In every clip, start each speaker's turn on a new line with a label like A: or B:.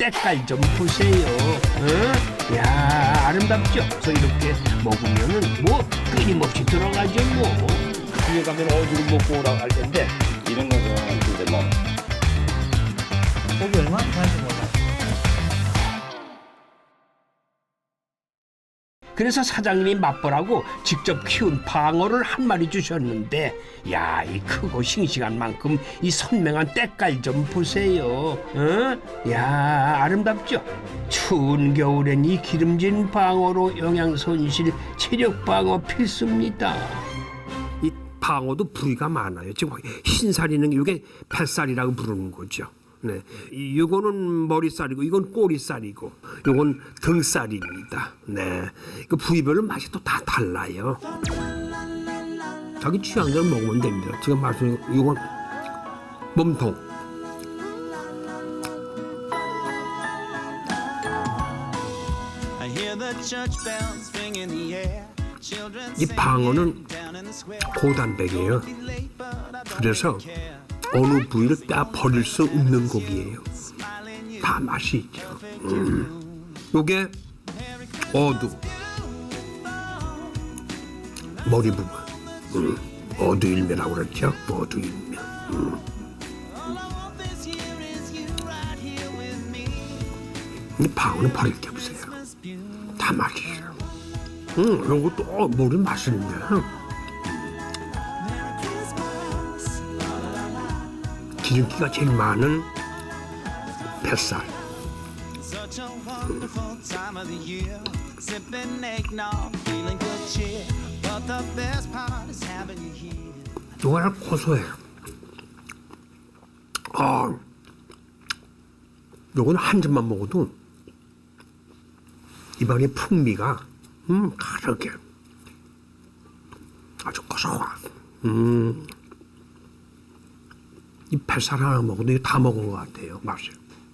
A: 때깔 좀 보세요. 어? 야, 아름답죠? 그래서 이렇게 먹으면은 뭐 끊임없이 들어가죠 뭐. 뒤에 가면 어죽을 먹고 오라고 할 텐데
B: 이런 거는 이제 뭐
C: 고기 얼마나 좋아하는지 몰라.
A: 그래서 사장님이 맛보라고 직접 키운 방어를 한 마리 주셨는데 야, 이 크고 싱싱한 만큼 이 선명한 때깔 좀 보세요. 어? 야, 아름답죠? 추운 겨울엔 이 기름진 방어로 영양 손실, 체력 방어 필수입니다. 이 방어도 부위가 많아요. 지금 흰살이는 이게 뱃살이라고 부르는 거죠. 네, 이거는 머리살이고 이건 꼬리살이고 이건 등살입니다. 네, 그 부위별로 맛이 또 다 달라요. 자기 취향 대로 먹으면 됩니다. 지금 말씀 이건 몸통. 이 방어는 고단백이에요. 그래서 어느 부위를 다 버릴 수 없는 고기예요. 다 맛이 있죠. 요게 어두 머리 부분 어두일매라고 그랬죠. 어두일매. 이 방어는 버릴 게 없어요. 다 맛있어요. 요것도 머리 맛있네. 기름기가 제일 많은 뱃살. 이거는 고소해요. 요거는 한 점만 먹어도 입안의 풍미가 가르게 아주 고소해. 이 뱃살 하나 먹어도 이거 다 먹은 것 같아요. 맛이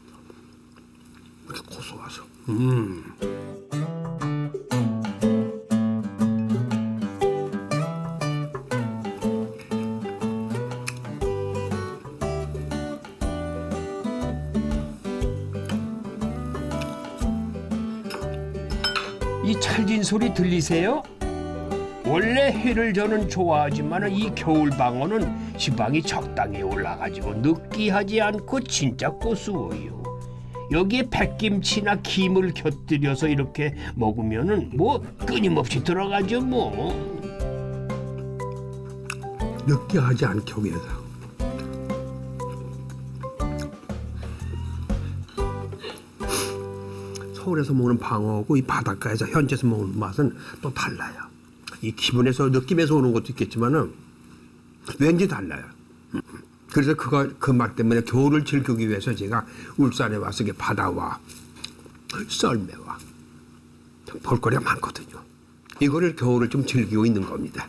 A: 이렇게 고소해서. 이 찰진 소리 들리세요? 원래 회를 저는 좋아하지만 이 겨울방어는 지방이 적당히 올라가지고 느끼하지 않고 진짜 고소해요. 여기에 백김치나 김을 곁들여서 이렇게 먹으면은 뭐 끊임없이 들어가죠 뭐. 느끼하지 않게 위해서. 서울에서 먹는 방어하고 이 바닷가에서 현지에서 먹는 맛은 또 달라요. 이 기분에서 느낌에서 오는 것도 있겠지만은 왠지 달라요. 그래서 그 맛 때문에 겨울을 즐기기 위해서 제가 울산에 와서 바다와 썰매와 볼거리가 많거든요. 이거를 겨울을 좀 즐기고 있는 겁니다.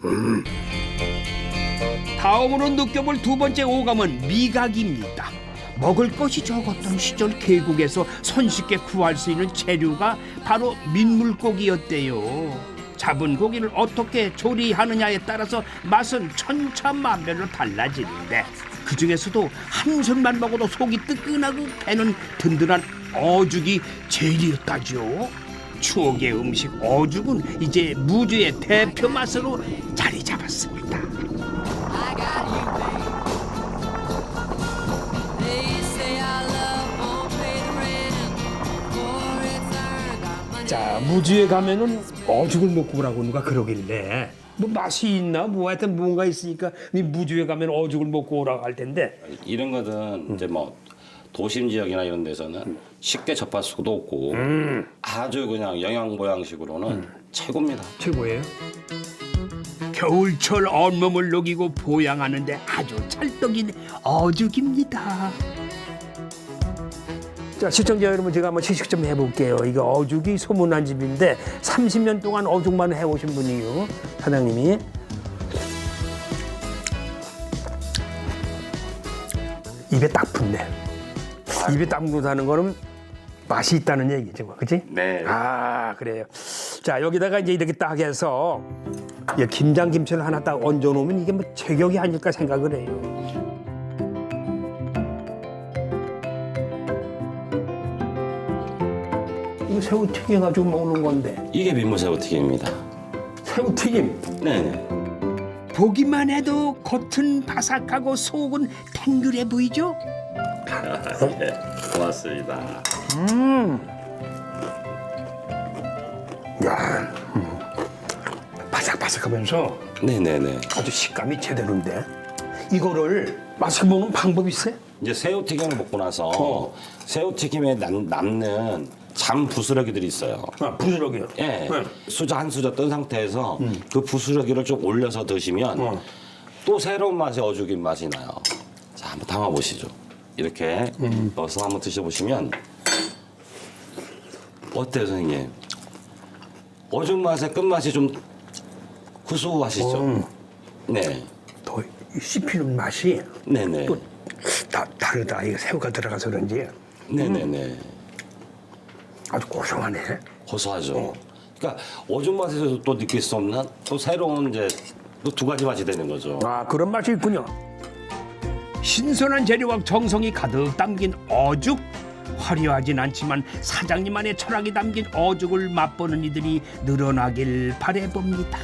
A: 다음으로 느껴볼 두 번째 오감은 미각입니다. 먹을 것이 적었던 시절 계곡에서 손쉽게 구할 수 있는 재료가 바로 민물고기였대요. 잡은 고기를 어떻게 조리하느냐에 따라서 맛은 천차만별로 달라지는데 그중에서도 한 손만 먹어도 속이 뜨끈하고 배는 든든한 어죽이 제일이었다죠. 추억의 음식 어죽은 이제 무주의 대표 맛으로 자리 잡았습니다. 자, 무주에 가면은 어죽을 먹고 오라고 누가 그러길래 뭐 맛이 있나 뭐 하여튼 뭔가 있으니까 이 무주에 가면 어죽을 먹고 오라고 할 텐데
B: 이런 것은 이제 뭐 도심 지역이나 이런 데서는 쉽게 접할 수도 없고 아주 그냥 영양 보양식으로는 최고입니다.
A: 최고예요. 겨울철 온몸을 녹이고 보양하는데 아주 찰떡인 어죽입니다. 자, 시청자 여러분, 제가 한번 시식 좀 해볼게요. 이거 어죽이 소문난 집인데 30년 동안 어죽만 해오신 분이요, 사장님이. 입에 딱 붙네. 입에 딱 붙는다는 거는 맛이 있다는 얘기죠, 그렇지?
B: 네.
A: 아, 그래요. 자, 여기다가 이제 이렇게 딱 해서 김장김치를 하나 딱 얹어 놓으면 이게 뭐 제격이 아닐까 생각을 해요. 이거 새우 튀겨가지고 먹는 건데.
B: 이게 민물새우튀김입니다.
A: 새우 튀김.
B: 네네.
A: 보기만 해도 겉은 바삭하고 속은 탱글해 보이죠?
B: 고맙습니다.
A: 야, 바삭바삭하면서
B: 네네네.
A: 아주 식감이 제대로인데. 이거를 맛있게 먹는 방법이 있어요?
B: 이제 새우튀김을 먹고 나서 새우튀김에 남는 잔 부스러기들이 있어요.
A: 아, 부스러기요.
B: 예. 수저 한 수저 뜬 상태에서 그 부스러기를 좀 올려서 드시면 또 새로운 맛의 어죽인 맛이 나요. 자, 한번 담아보시죠. 이렇게 넣어서 한번 드셔보시면 어때요, 선생님? 어죽 맛의 끝맛이 좀 구수하시죠? 네.
A: 더 씹히는 맛이
B: 네네.
A: 또 다르다. 이게 새우가 들어가서 그런지
B: 네네네.
A: 아주 고소하네.
B: 고소하죠. 그러니까 어죽 맛에서도 또 느낄 수 없는 또 새로운 이제 또 두 가지 맛이 되는 거죠.
A: 아, 그런 맛이 있군요. 신선한 재료와 정성이 가득 담긴 어죽. 화려하진 않지만 사장님만의 철학이 담긴 어죽을 맛보는 이들이 늘어나길 바라봅니다.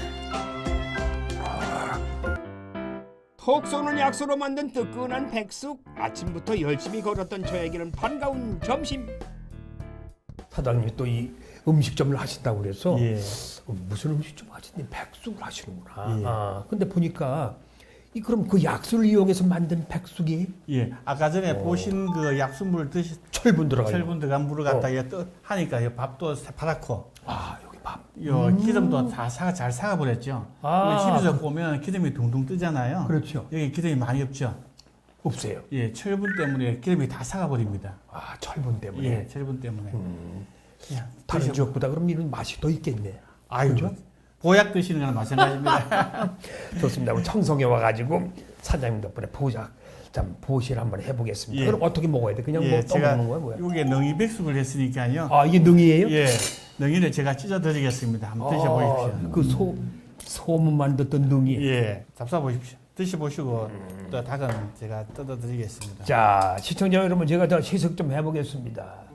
A: 톡 쏘는 약수로 만든 뜨끈한 백숙. 아침부터 열심히 걸었던 저에게는 반가운 점심. 사장님이 또 이 음식점을 하신다고 그래서
C: 예.
A: 무슨 음식점 하시니 백숙을 하시는구나.
C: 예.
A: 아, 근데 보니까 그럼 그 약수를 이용해서 만든 백숙이
C: 예, 아까 전에 보신 그 약수물
A: 철분 들어가 있는.
C: 철분 들어간 물을 갖다 이게 떠 하니까 이 밥도 파랗고
A: 아, 여기 밥.
C: 요 기름도 다 잘 사가버렸죠.
A: 아.
C: 집에서 보면 기름이 둥둥 뜨잖아요.
A: 그렇죠.
C: 여기 기름이 많이 없죠.
A: 없어요.
C: 예, 철분 때문에 기름이 다 사가버립니다.
A: 아, 철분 때문에.
C: 예, 철분 때문에. 그냥
A: 다른
C: 드셔-
A: 지역보다 그럼 이런 맛이 더 있겠네.
C: 아유,
A: 그죠?
C: 보약 드시는 거랑 마찬가지입니다.
A: 좋습니다. 우리 청송에 와가지고 사장님 덕분에 보실 한번 해보겠습니다.
C: 예.
A: 그럼 어떻게 먹어야 돼? 그냥
C: 예,
A: 뭐
C: 제가
A: 떠먹는 거야 뭐야?
C: 요게 능이 백숙을 했으니까요.
A: 아, 이게 능이에요?
C: 예, 능이를 제가 찢어 드리겠습니다. 한번 드셔보십시오.
A: 그 소문만 듣던 능이.
C: 예, 잡숴 보십시오. 드셔보시고 또 닭은 제가 뜯어 드리겠습니다.
A: 자, 시청자 여러분, 제가 더 시식 좀 해보겠습니다.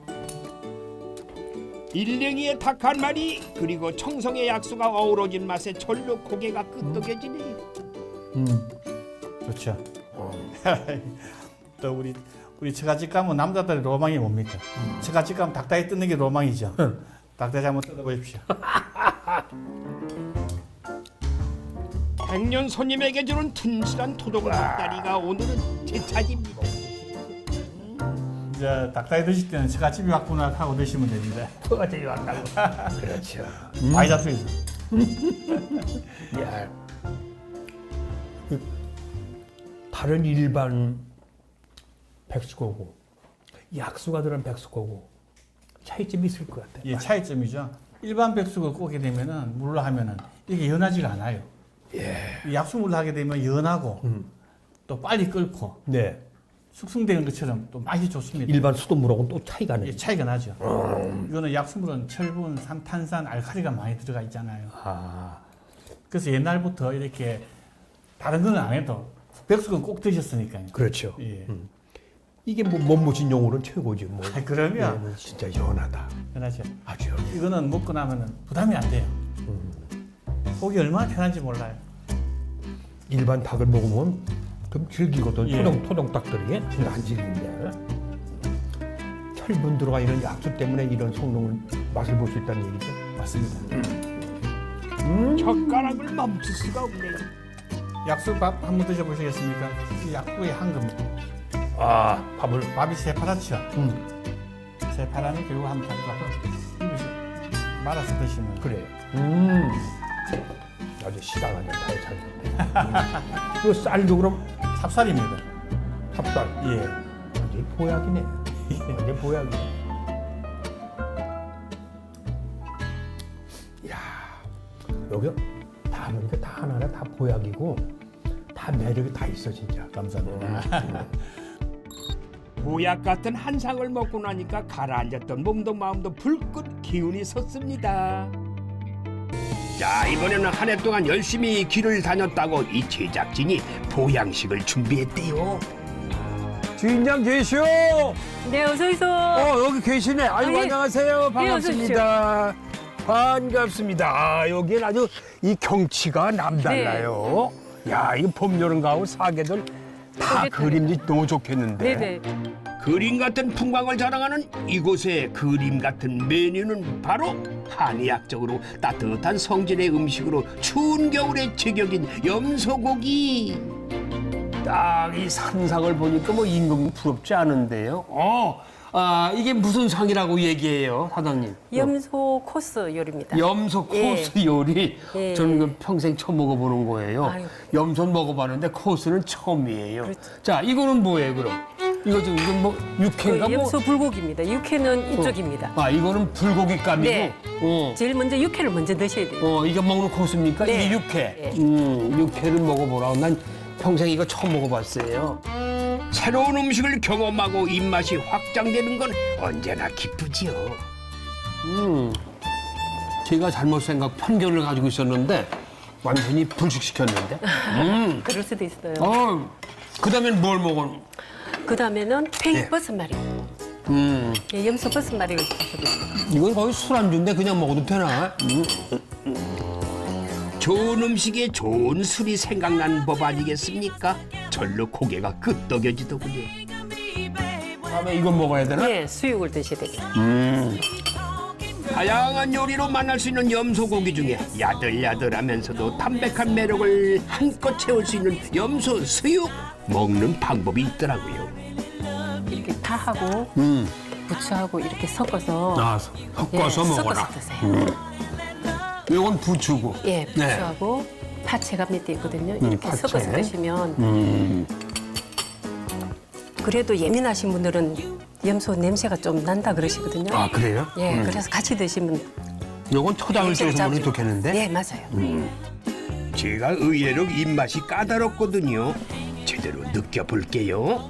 A: 일랭이의 닭 한 마리 그리고 청성의 약수가 어우러진 맛에 절로 고개가 끄덕여지네요.
C: 좋죠. 또 우리 처갓집 가면 남자들의 로망이 뭡니까? 처갓집 가면 닭다리 뜯는 게 로망이죠. 닭다리 한번 뜯어보십시오.
A: 백년 손님에게 주는 튼실한 토종 닭다리가 오늘은 제 차지입니다.
C: 이제 닭다리 드실 때는 처갓집이 왔구나 하고 드시면 됩니다.
A: 토가집이 왔다고. 그렇죠.
C: 많이 잡수있어.
A: 야, 다른 일반 백숙하고 약수가 들어간 백숙하고 차이점이 있을 것 같아요.
C: 예, 차이점이죠. 일반 백숙을 꼬게 되면은 물로 하면은 이게 연하지가 않아요.
A: 예.
C: 이 약수물로 하게 되면 연하고 또 빨리 끓고
A: 네.
C: 숙성되는 것처럼 또 맛이 좋습니다.
A: 일반 수돗물하고는 또 차이가 나요.
C: 예, 차이가 나죠. 이거는 약수물은 철분, 탄산, 알칼리가 많이 들어가 있잖아요.
A: 아,
C: 그래서 옛날부터 이렇게 다른 건 안 해도 백숙은 꼭 드셨으니까요.
A: 그렇죠.
C: 예.
A: 이게 뭐 몸무신 용어는 최고죠. 뭐.
C: 아, 그러면
A: 얘는 진짜 연하다.
C: 편하죠.
A: 아주.
C: 이거는 먹고 나면은 부담이 안 돼요. 속이 얼마나 편한지 몰라요.
A: 일반 닭을 먹으면 좀 질기거든.
C: 예.
A: 토종 닭들이 진짜 안 질긴데. 철분 들어가 있는 약수 때문에 이런 성능을 맛을 볼 수 있다는 얘기죠.
C: 맞습니다.
A: 젓가락을 멈출 수가 없네요.
C: 약수밥 한번 드셔보시겠습니까? 이 약수의 한 겁니다.
A: 아, 밥을.
C: 밥이 새파랗죠? 새파라니 결국 한번 담가서 입에서 말아서 드시면
A: 그래요. 아주 시장하는 다의 찬인데. 이 쌀도 그럼
C: 찹쌀입니다.
A: 찹쌀.
C: 예.
A: 완전 보약이네. 완전 보약이네. 이야, 여기 다 보니까 다 하나하나 다 보약이고 다 매력이 다 있어 진짜.
C: 감사합니다.
A: 보약 같은 한 상을 먹고 나니까 가라앉았던 몸도 마음도 불끈 기운이 섰습니다. 자, 이번에는 한 해 동안 열심히 길을 다녔다고 이 제작진이 보양식을 준비했대요.
D: 주인장 계시오.
E: 네, 어서 오이소.
D: 여기 계시네. 아이고,
E: 예.
D: 안녕하세요.
E: 예, 어서
D: 반갑습니다. 반갑습니다. 아, 여기는 아주 이 경치가 남달라요. 야, 이 봄, 여름, 가을 사계절 다
E: 따뜻하게.
D: 그림이 너무 좋겠는데.
E: 네네.
A: 그림 같은 풍광을 자랑하는 이곳의 그림 같은 메뉴는 바로 한의학적으로 따뜻한 성질의 음식으로 추운 겨울에 제격인 염소고기.
D: 딱 이 산상을 보니까 뭐 임금 부럽지 않은데요. 이게 무슨 상이라고 얘기해요, 사장님?
E: 염소 코스 요리입니다.
D: 염소
E: 예.
D: 코스 요리.
E: 예.
D: 저는 그 평생 처음 먹어보는 거예요.
E: 아유.
D: 염소는 먹어봤는데 코스는 처음이에요.
E: 그렇죠.
D: 자, 이거는 뭐예요, 그럼? 이건 뭐
E: 그
D: 육회인가 뭐?
E: 염소 불고기입니다. 육회는 이쪽입니다.
D: 이거는 불고기감이고.
E: 네. 제일 먼저 육회를 먼저 드셔야 돼요.
D: 이게 먹는 코스입니까?
E: 네.
D: 이게 육회.
E: 예.
D: 육회를 먹어보라고. 난 평생 이거 처음 먹어봤어요.
A: 새로운 음식을 경험하고 입맛이 확장되는 건 언제나 기쁘지요.
D: 제가 잘못 편견을 가지고 있었는데 완전히 불식시켰는데.
E: 그럴 수도 있어요.
D: 그 다음엔 뭘 먹어?
E: 그 다음에는
D: 네.
E: 팽이버섯말이. 예, 염소 버섯말이를 드셔보세요.
D: 이건 거의 술안주인데 그냥 먹어도 되나?
A: 좋은 음식에 좋은 술이 생각나는 법 아니겠습니까? 절로 고개가 끄덕여지더군요.
D: 다음에 이건 먹어야 되나?
E: 예, 수육을 드셔야 됩니다.
A: 다양한 요리로 만날 수 있는 염소고기 중에 야들야들하면서도 담백한 매력을 한껏 채울 수 있는 염소 수육 먹는 방법이 있더라고요.
E: 이렇게 파하고 부추하고 이렇게 섞어서
D: 섞어서
E: 예,
D: 먹어라.
E: 섞어서 드세요.
D: 이건 부추고.
E: 예,
D: 네.
E: 부추하고 파채가 밑에 있거든요. 이렇게
D: 파채.
E: 섞어서 드시면 그래도 예민하신 분들은 염소 냄새가 좀 난다 그러시거든요.
D: 아, 그래요?
E: 예, 그래서 같이 드시면
D: 이건 초장을
E: 냄새를
D: 쪄서 먹으면
E: 잡죠.
D: 좋겠는데?
E: 예, 맞아요.
A: 제가 의외로 입맛이 까다롭거든요. 제대로 느껴볼게요.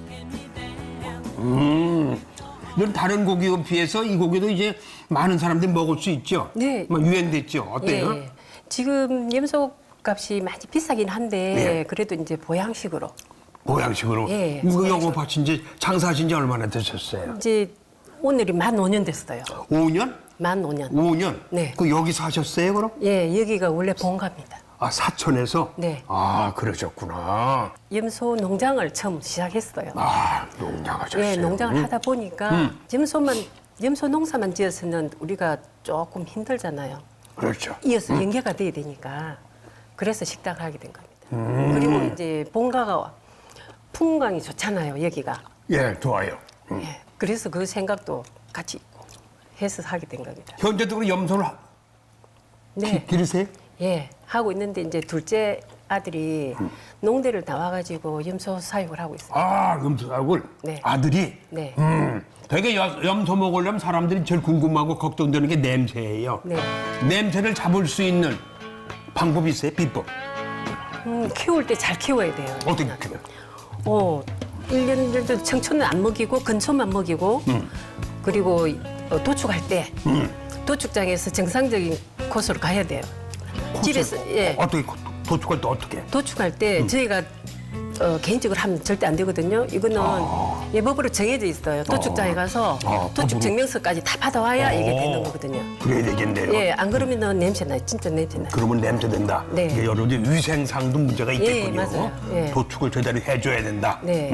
D: 이런 다른 고기에 비해서 이 고기도 이제 많은 사람들이 먹을 수 있죠?
E: 네.
D: 막 유행됐죠? 어때요?
E: 예. 지금 염소 값이 많이 비싸긴 한데
D: 예.
E: 그래도 이제 보양식으로
D: 보양식으로.
E: 예,
D: 이거
E: 보양식으로.
D: 영업하신 지 장사하신 지 얼마나 되셨어요?
E: 이제 오늘이 만 5년 됐어요.
D: 5년?
E: 만 5년.
D: 5년?
E: 네.
D: 그 여기 사셨어요, 그럼?
E: 예, 여기가 원래 본가입니다.
D: 아, 사천에서?
E: 네.
D: 아, 그러셨구나.
E: 염소 농장을 처음 시작했어요.
D: 아, 농장하셨어요.
E: 예, 농장을 하다 보니까 염소 농사만 지어서는 우리가 조금 힘들잖아요.
D: 그렇죠.
E: 이어서 연계가 돼야 되니까 그래서 식당을 하게 된 겁니다. 그리고 이제 본가가 풍광이 좋잖아요, 여기가.
D: 예, 좋아요.
E: 예, 그래서 그 생각도 같이 있고 해서 하게 된 겁니다.
D: 현재도 그 염소를
E: 네,
D: 기르세요?
E: 예, 하고 있는데 이제 둘째 아들이 농대를 나와가지고 염소 사육을 하고 있어요.
D: 아, 염소하고
E: 네.
D: 아들이?
E: 네,
D: 되게 염소 먹으려면 사람들이 제일 궁금하고 걱정되는 게 냄새예요.
E: 네.
D: 냄새를 잡을 수 있는 방법이 있어요? 비법.
E: 키울 때 잘 키워야 돼요.
D: 어떻게 그래요?
E: 1년 정도 청초는 안 먹이고 근초만 먹이고 그리고 도축할 때 도축장에서 정상적인 코스로 가야 돼요. 집에서 예
D: 어떻게 도축할 때 어떻게?
E: 도축할 때 저희가 개인적으로 하면 절대 안 되거든요. 이거는 예법으로 정해져 있어요. 도축장에 가서 도축
D: 법으로.
E: 증명서까지 다 받아와야 이게 되는 거거든요.
D: 그래야 되겠네요.
E: 예, 안 그러면은 냄새 나요. 진짜 냄새 나요.
D: 그러면 냄새 된다.
E: 네.
D: 이게 여러 가지 위생상도 문제가 있겠군요.
E: 맞아요. 예.
D: 도축을 제대로 해줘야 된다.
E: 네.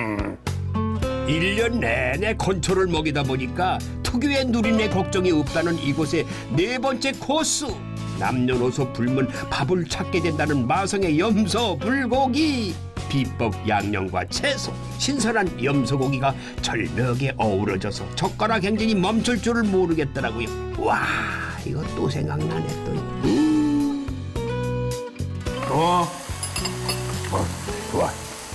A: 1년 내내 건초를 먹이다 보니까 특유의 누린내 걱정이 없다는 이곳의 네 번째 코스. 남녀노소 불문 밥을 찾게 된다는 마성의 염소 불고기. 비법 양념과 채소, 신선한 염소고기가 절묘하게 어우러져서 젓가락 행진이 멈출 줄을 모르겠더라고요. 와, 이거 또 생각나네 또.
D: 좋아.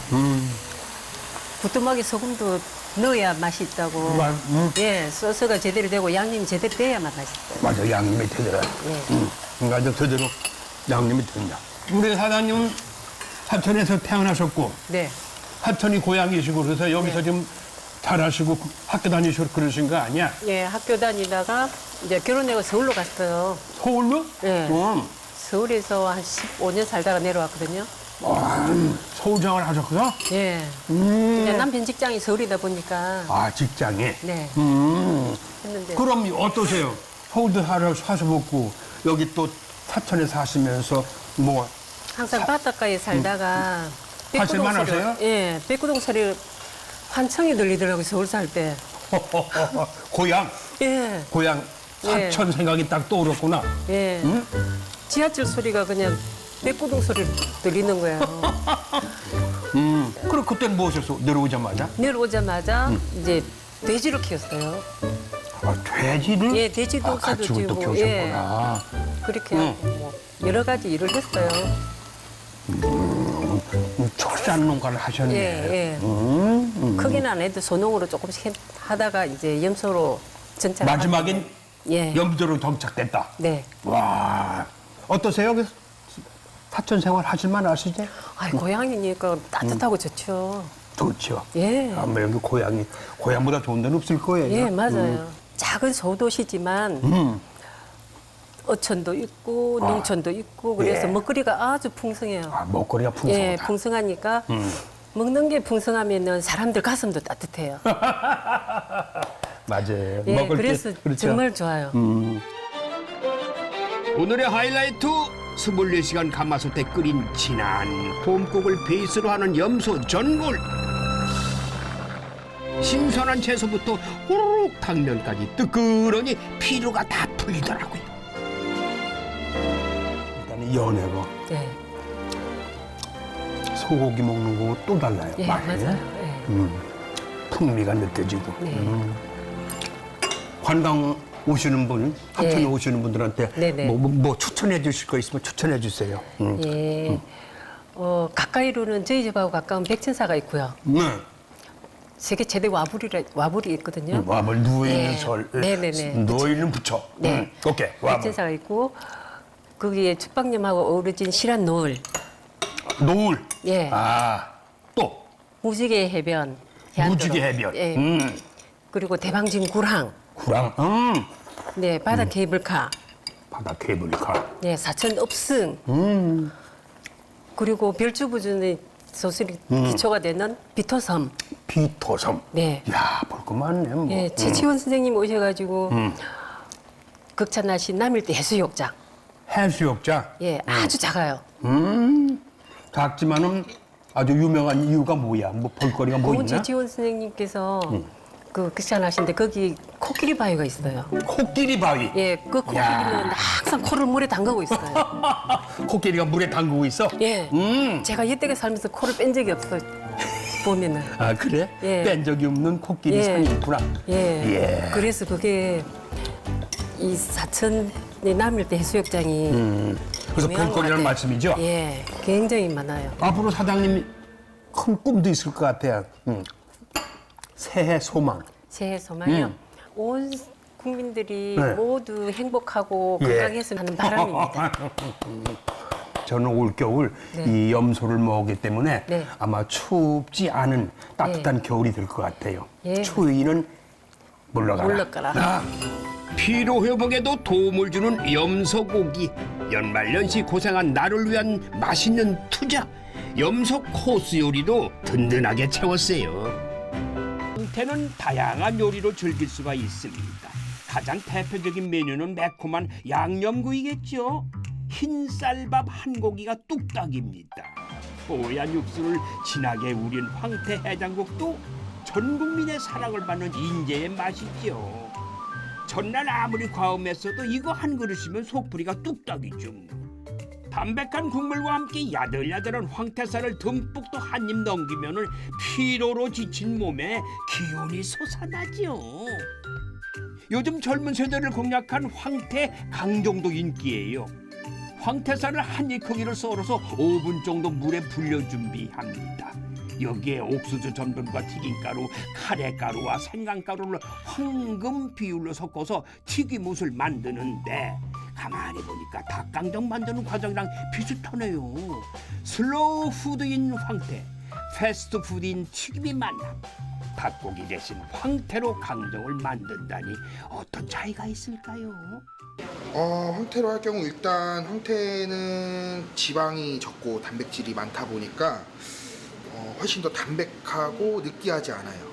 E: 부뚜막에 소금도 넣어야 맛이 있다고. 예, 소스가 제대로 되고 양념이 제대로 돼야만 맛있어요.
D: 맞아, 양념이 제대로.
E: 예.
D: 맞아, 제대로 양념이 된다. 우리 사장님은 사천에서 태어나셨고
E: 네.
D: 사천이 고향이시고 그래서 여기서 지금 잘하시고 학교 다니시고 그러신 거 아니야?
E: 예, 학교 다니다가 이제 결혼하고 서울로 갔어요.
D: 서울로?
E: 예.
D: 응.
E: 서울에서 한 15년 살다가 내려왔거든요.
D: 서울 생활 하셨구나?
E: 예. 이제 남편 직장이 서울이다 보니까
D: 아, 직장에.
E: 네 했는데
D: 그럼 어떠세요? 서울도 사서 먹고 여기 또 사천에 사시면서 뭐
E: 항상 바닷가에 살다가
D: 사실만 하세요?
E: 예, 백구동 소리 환청이 들리더라고요 서울 살 때.
D: 고향,
E: 예,
D: 고향
E: 예.
D: 사천 생각이 딱 떠오르구나.
E: 예. 지하철 소리가 그냥 백구동 소리 들리는 거예요.
D: 그럼 그때는 뭐 하셨어? 내려오자마자?
E: 내려오자마자 이제 돼지를 키웠어요.
D: 아, 돼지를?
E: 예, 돼지
D: 아,
E: 독사도
D: 가축을 또
E: 키우고,
D: 키우셨구나.
E: 그렇게 하고 뭐 여러 가지 일을 했어요.
D: 철산 농가를 하셨네.
E: 예, 예. 크게는 안 해도 소농으로 조금씩 하다가 이제 염소로 전차.
D: 마지막엔
E: 예.
D: 염도로 정착됐다.
E: 네.
D: 와, 어떠세요? 그 사천 생활 하실만 하시죠?
E: 아, 고향이니까 따뜻하고 좋죠.
D: 좋죠.
E: 예.
D: 아마 여기 고향보다 좋은 데는 없을 거예요.
E: 예, 맞아요. 작은 소도시지만 어촌도 있고 농촌도 있고 그래서
D: 예.
E: 먹거리가 아주 풍성해요.
D: 아, 먹거리가 풍성하다.
E: 예, 풍성하니까 먹는 게 풍성하면은 사람들 가슴도 따뜻해요.
D: 맞아요.
E: 예,
D: 먹을
E: 그래서
D: 때 그렇죠.
E: 정말 좋아요.
A: 오늘의 하이라이트 24시간 가마솥에 끓인 진한 봄국을 베이스로 하는 염소 전골. 신선한 채소부터 호로록 당면까지 뜨끈하니 피로가 다 풀리더라고요.
D: 일단 연해가
E: 네.
D: 소고기 먹는 거 또 달라요.
E: 예,
D: 맛이.
E: 맞아요. 예.
D: 풍미가 느껴지고.
E: 네.
D: 관광 오시는 분, 하천에
E: 예.
D: 오시는 분들한테
E: 네네.
D: 뭐 추천해 주실 거 있으면 추천해 주세요.
E: 예. 가까이로는 저희 집하고 가까운 백천사가 있고요.
D: 네.
E: 세계 최대 와불이 있거든요.
D: 와물 누워있는
E: 네.
D: 설,
E: 네네네.
D: 누워있는 부처.
E: 네.
D: 오케이, 와물.
E: 백천사가 있고 거기에 축박님하고 어우러진 실한 노을,
D: 노을.
E: 예.
D: 아, 또
E: 무지개 해변, 해안도로.
D: 무지개 해변.
E: 예. 그리고 대방진 구랑,
D: 구랑.
E: 네, 바다 케이블카,
D: 바다 케이블카.
E: 네, 사천 읍승, 그리고 별주부준의 소설이 기초가 되는 비토섬.
D: 비토섬.
E: 네.
D: 야, 볼 거 많네. 뭐.
E: 예, 최치원 선생님 오셔가지고 극찬하신 남일대 해수욕장.
D: 해수욕장.
E: 예, 아주 작아요.
D: 작지만은 아주 유명한 이유가 뭐야? 뭐 볼거리가 뭐
E: 고은
D: 있나?
E: 최치원 선생님께서 그 극찬하신데 거기 코끼리 바위가 있어요.
D: 코끼리 바위.
E: 예, 그 코끼리는
D: 야.
E: 항상 코를 물에 담그고 있어요.
D: 코끼리가 물에 담그고 있어?
E: 예, 제가 이때에 살면서 코를 뺀 적이 없어요. 보면은.
D: 아, 그래?
E: 예.
D: 뺀 적이 없는 코끼리
E: 예.
D: 산이 있구나.
E: 예. 그래서 그게 이 사천의 남일대 해수욕장이
D: 그래서
E: 유명한 것
D: 볼거리라는
E: 같아요.
D: 말씀이죠?
E: 예, 굉장히 많아요.
D: 앞으로 사장님이 큰 꿈도 있을 것 같아요. 새해 소망.
E: 새해 소망이요. 온 국민들이
D: 네.
E: 모두 행복하고
D: 예.
E: 건강했으면 하는 바람입니다.
D: 저는 올겨울
E: 네.
D: 이 염소를 먹기 때문에
E: 네.
D: 아마 춥지 않은 따뜻한 겨울이 될 것 같아요.
E: 예.
D: 추위는 물러가라.
E: 물러가라.
A: 피로 회복에도 도움을 주는 염소고기. 연말연시 고생한 나를 위한 맛있는 투자. 염소 코스 요리로 든든하게 채웠어요. 황태는 다양한 요리로 즐길 수가 있습니다. 가장 대표적인 메뉴는 매콤한 양념구이겠죠. 흰 쌀밥 한 고기가 뚝딱입니다. 뽀얀 육수를 진하게 우린 황태 해장국도 전 국민의 사랑을 받는 인재의 맛이죠. 전날 아무리 과음했어도 이거 한 그릇이면 속풀이가 뚝딱이죠. 담백한 국물과 함께 야들야들한 황태살을 듬뿍 또 한 입 넘기면은 피로로 지친 몸에 기운이 솟아나죠. 요즘 젊은 세대를 공략한 황태 강정도 인기예요. 황태살을 한 입 크기로 썰어서 5분 정도 물에 불려 준비합니다. 여기에 옥수수 전분과 튀김가루, 카레가루와 생강가루를 황금 비율로 섞어서 튀김옷을 만드는데 가만히 보니까 닭강정 만드는 과정이랑 비슷하네요. 슬로우 푸드인 황태, 패스트푸드인 튀김의 만남. 닭고기 대신 황태로 강정을 만든다니 어떤 차이가 있을까요?
F: 황태로 할 경우 일단 황태는 지방이 적고 단백질이 많다 보니까 훨씬 더 담백하고 느끼하지 않아요.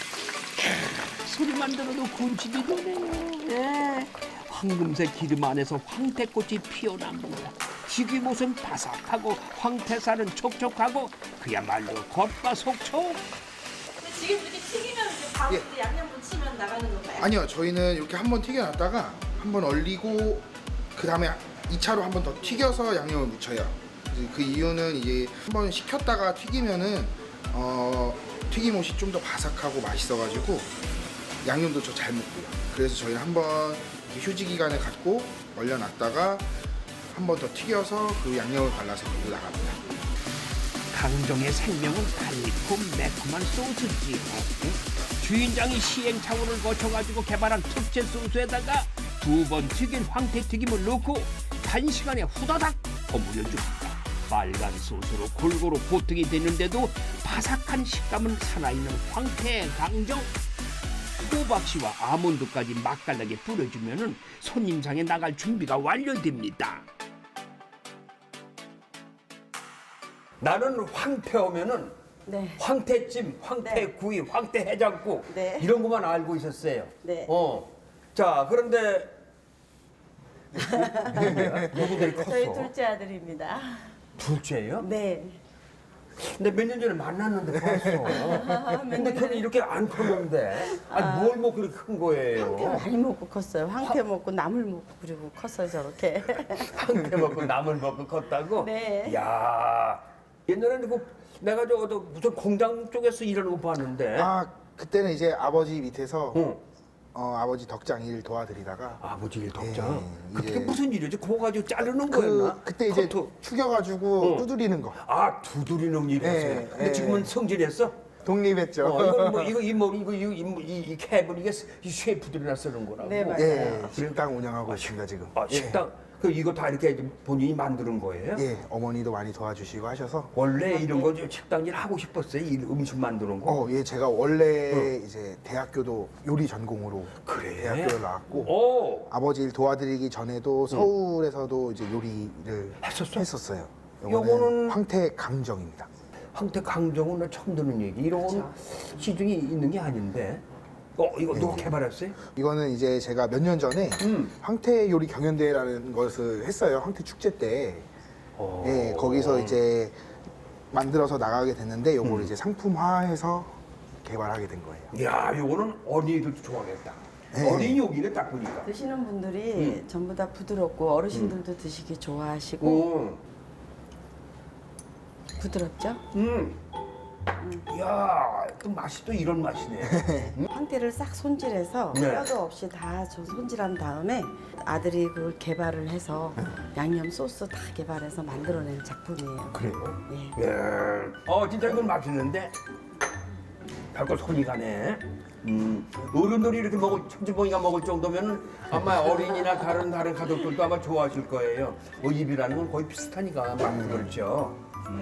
A: 소리만 들어도 군침이 도네요. 네. 황금색 기름 안에서 황태꽃이 피어납니다. 튀김옷은 바삭하고 황태살은 촉촉하고 그야말로 겉바속촉.
G: 지금 이렇게 튀기면 이제 바로 이제 양념 묻히면 나가는 건가요?
F: 아니요, 저희는 이렇게 한번 튀겨놨다가 한번 얼리고 그 다음에 2차로 한 번 더 튀겨서 양념을 묻혀요. 이제 그 이유는 이제 한번 식혔다가 튀기면은 튀김옷이 좀 더 바삭하고 맛있어가지고 양념도 저 잘 먹고요. 그래서 저희는 한번 휴지 기간을 갖고 얼려놨다가 한 번 더 튀겨서 그 양념을 발라서 갖고 나갑니다.
A: 강정의 생명은 달리고 매콤한 소스지. 주인장이 시행착오를 거쳐가지고 개발한 특제 소스에다가 2번 튀긴 황태튀김을 넣고 단시간에 후다닥 버무려줍니다. 빨간 소스로 골고루 보통이 되는데도 바삭한 식감은 살아있는 황태 강정. 호박씨와 아몬드까지 맛깔나게 뿌려주면은 손님상에 나갈 준비가 완료됩니다.
D: 나는 황태 오면은
G: 네.
D: 황태찜, 황태구이, 황태해장국
G: 네.
D: 이런 것만 알고 있었어요.
G: 네.
D: 자, 그런데 누구들이
G: 저희
D: 컸어?
G: 둘째 아들입니다.
D: 둘째예요?
G: 네.
D: 근데 몇 년 전에 만났는데 컸어. 근데 걔는 이렇게 안 컸는데. 아니 뭘 먹고 그렇게 큰 거예요?
G: 많이 먹고 컸어요. 황태 먹고 나물 먹고 그리고 컸어요 저렇게.
D: 황태 먹고 나물 먹고 컸다고?
G: 네.
D: 야 옛날에는 내가 무슨 공장 쪽에서 일하는 거 봤는데.
F: 그때는 이제 아버지 밑에서
D: 응.
F: 아버지 덕장 일 도와드리다가
D: 아버지 일 덕장.
F: 예,
D: 그게
F: 이제
D: 무슨 일이지? 그거 가지고 자르는 거였나?
F: 그때 이제
D: 커트.
F: 축여가지고 두드리는 거
D: 두드리는 일이었어요.
F: 예,
D: 근데
F: 예.
D: 지금은 성질했어?
F: 독립했죠.
D: 이거 뭐 이 캡은 이게 이 셰프들이나 쓰는 거라고.
G: 네, 맞아요.
F: 예, 식당 운영하고 있습니다 지금.
D: 식당. 그 이거 다 이렇게 본인이 만드는 거예요?
F: 예, 어머니도 많이 도와주시고 하셔서.
D: 원래 이런 거 식당 일 하고 싶었어요? 이 음식 만드는 거?
F: 예, 제가 원래 이제 대학교도 요리 전공으로
D: 그래?
F: 대학교를 나왔고
D: 오.
F: 아버지 일 도와드리기 전에도 서울에서도 이제 요리를
D: 했었어?
F: 했었어요.
D: 요거는
F: 요거는 황태 강정입니다.
D: 황태 강정은 나 처음 듣는 얘기. 이런 거는 시중에 있는 게 아닌데. 이거 누가 개발했어요?
F: 이거는 이제 제가 몇 년 전에 황태 요리 경연대회라는 것을 했어요. 황태 축제 때. 예, 거기서 이제 만들어서 나가게 됐는데 요거를 이제 상품화해서 개발하게 된 거예요.
D: 야, 요거는 어린이들도 좋아하겠다.
F: 네.
D: 어린이 요기네 딱 보니까.
G: 드시는 분들이 전부 다 부드럽고 어르신들도 드시기 좋아하시고
D: 오.
G: 부드럽죠?
D: 야, 또 맛이 또 이런 맛이네.
G: 황태를 싹 손질해서
D: 네.
G: 뼈도 없이 다 손질한 다음에 아들이 그걸 개발을 해서 양념 소스 다 개발해서 만들어낸 작품이에요.
D: 그래요?
G: 네.
D: 예. 진짜 이건 맛있는데 달고 손이 가네. 어른들이 이렇게 천지봉이가 먹을 정도면 아마 어린이나 다른 가족들도 아마 좋아하실 거예요. 입이라는 건 거의 비슷하니까 그렇죠.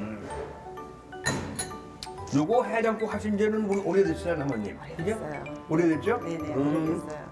D: 요거 해장국 하신 지는 오래됐어요, 어머님?
G: 오래됐어요.
D: 오래됐죠?
G: 네네, 오래됐어요.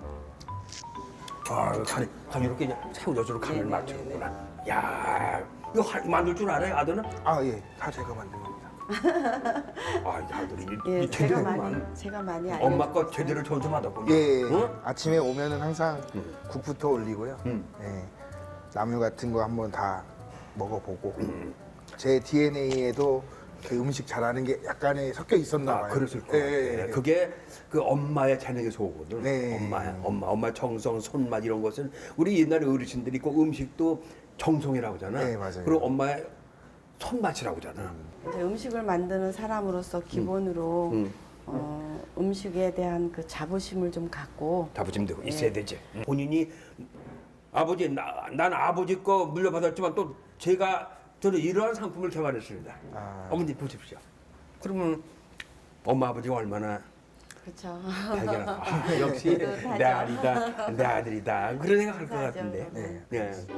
D: 간 이렇게 그냥 새우젓으로 간을
G: 네네,
D: 맞추는구나. 야, 이거 만들 줄 알아요, 아들은?
F: 예, 다 제가 만든 겁니다.
D: 이 아들이
G: 예,
D: 이
G: 제가
D: 제대로만.
G: 많이
D: 엄마 거
G: 알려줬어요.
D: 제대로 전수 받았군요.
F: 예,
D: 응?
F: 아침에 오면은 항상 국부터 올리고요. 예, 나물 같은 거 한번 다 먹어보고 제 DNA에도 그 음식 잘하는 게 약간의 섞여 있었나 봐요.
D: 그랬을 것 같아요. 그게 그 엄마의 재능에서 오거든.
F: 네.
D: 엄마 정성, 손맛 이런 것은 우리 옛날에 어르신들이 꼭 음식도 정성이라고 하잖아.
F: 네, 맞아요.
D: 그리고 엄마의 손맛이라고 하잖아.
G: 이제 음식을 만드는 사람으로서 기본으로 음식에 대한 그 자부심을 좀 갖고
D: 자부심도
G: 네.
D: 있어야 되지. 본인이 난 아버지 거 물려받았지만 또 저는 이러한 상품을 개발했습니다. 어머니 보십시오. 그러면 엄마 아버지가 얼마나
G: 그렇죠.
D: 발견하고 역시 내 아들이다 그런 생각할 것
G: 맞아요.
D: 같은데.
G: 네.
D: 네.